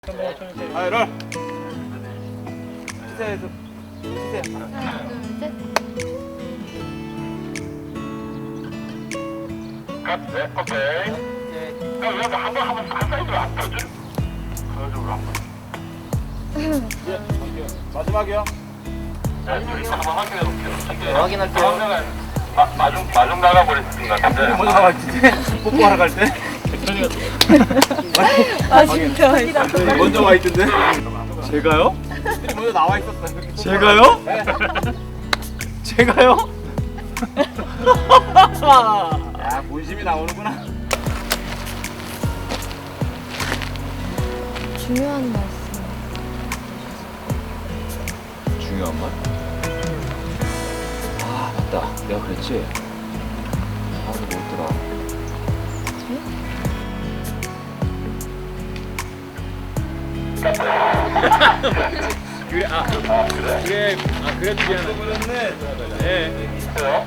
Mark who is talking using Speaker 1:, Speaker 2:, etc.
Speaker 1: 아, 롤. 시세에서 시세.
Speaker 2: 하나, 둘, 셋.
Speaker 3: 네, 오케이. 그럼 여기 한번 사이드로 안 펴줘? 그쪽으로 한 번.
Speaker 1: 예, 마지막이요.
Speaker 3: 네, 저희도 한번 확인해 볼게요.
Speaker 1: 확인할게요.
Speaker 3: 마중 나가버렸을 것 같은데.
Speaker 1: 먼저 나갈 때, 뽀뽀하러 갈 때.
Speaker 2: 아, 진짜.
Speaker 1: 먼저 와 있던데.
Speaker 4: 제가요?
Speaker 1: 먼저 나와 있었어요.
Speaker 4: 제가요? 제가요?
Speaker 1: 야, 본심이 나오는구나.
Speaker 2: 중요한 말씀.
Speaker 4: 중요한 말? 아 맞다 내가 그랬지? 아 이거 뭐였더라 그래 그래도 미안해
Speaker 1: 그랬네.
Speaker 4: 네.
Speaker 3: 있어요?